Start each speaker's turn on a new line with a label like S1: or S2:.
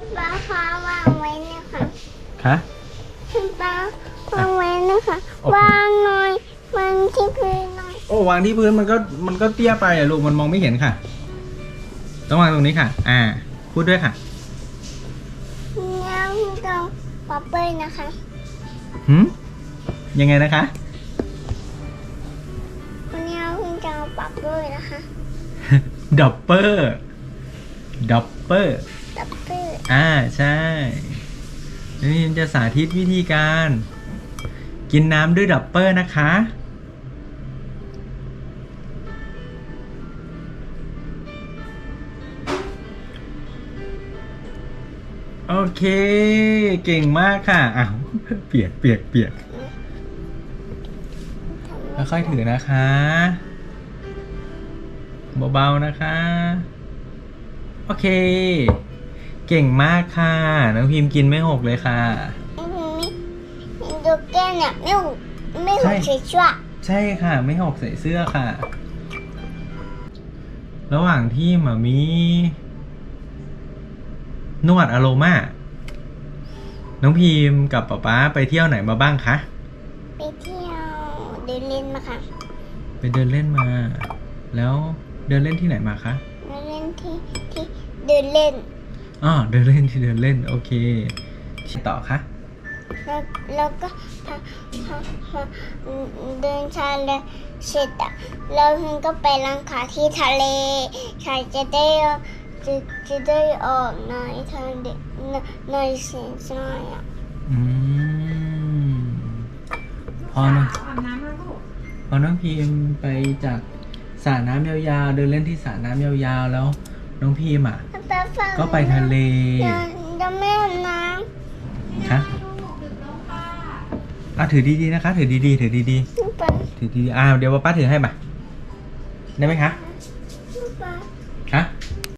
S1: ป้าคะวางไว้นะคะ
S2: คะ
S1: ป้าวางไว้นะคะวางหน่อยวางที่พื้นหน่อย
S2: โอ้วางที่พื้นมันก็เตี้ยไปอะลูกมันมองไม่เห็นค่ะ ต้องวางตรงนี้ค่ะ พูดด้วยค่ะ
S1: แล้วเราป๊อปเปอร์นะคะ
S2: ยังไงนะคะ
S1: วันนี้เราจะเอาป๊อปเปอร์นะคะ
S2: ดับเปอร์ดับเปอร์
S1: ป๊อปเปอร์
S2: ใช่นี่จะสาธิตวิธีการ กินน้ำด้วยดับเปอร์นะคะ โอเค เก่งมากค่ะอ้าวเปียกค่อยๆถือนะคะ เบาๆนะคะ โอเค เก่งมากค่ะ น้องพิมพ์กินไม่หกเลยค่ะ
S1: ดูแก้วเนี่ยไม่หกเฉยชั่ว
S2: ใช่ค่ะ ไม่หกใส่เสื้อค่ะ ระหว่างที่หมามีนวดอโรมาน้องพิมพ์กับป๊าไปเที่ยวไหนมาบ้างคะ
S1: ไปเที่ยวเดินเล่นมาค่ะ
S2: ไปเดินเล่นมา แล้วเดินเล่นที่ไหนมาคะ
S1: เดินเล่นที่เดินเล่น
S2: เดินเล่นที่เดินเล่นโอเคที่ต่อคะ
S1: แล้วก็พอเดินทะเลเสร็จอ่ะแล้วพิมก็ไปล้างขาที่ทะเลขาจะได้ออกหน่อยทางเด็กหน่อยเสียงหน่อยอ่ะ
S2: พอนะพอน้องพิมไปจากสระน้ำยาวๆเดินเล่นที่สระน้ำยาวๆแล้วน้องพิมก็ไปทะเล
S1: จะไม่อาบน้
S2: คะถือดีๆนะคะถือดีๆถือดี
S1: ำไป
S2: ๆถือดีๆเดี๋ยวป้าถือให้มาได้ไหมคะ
S1: ไป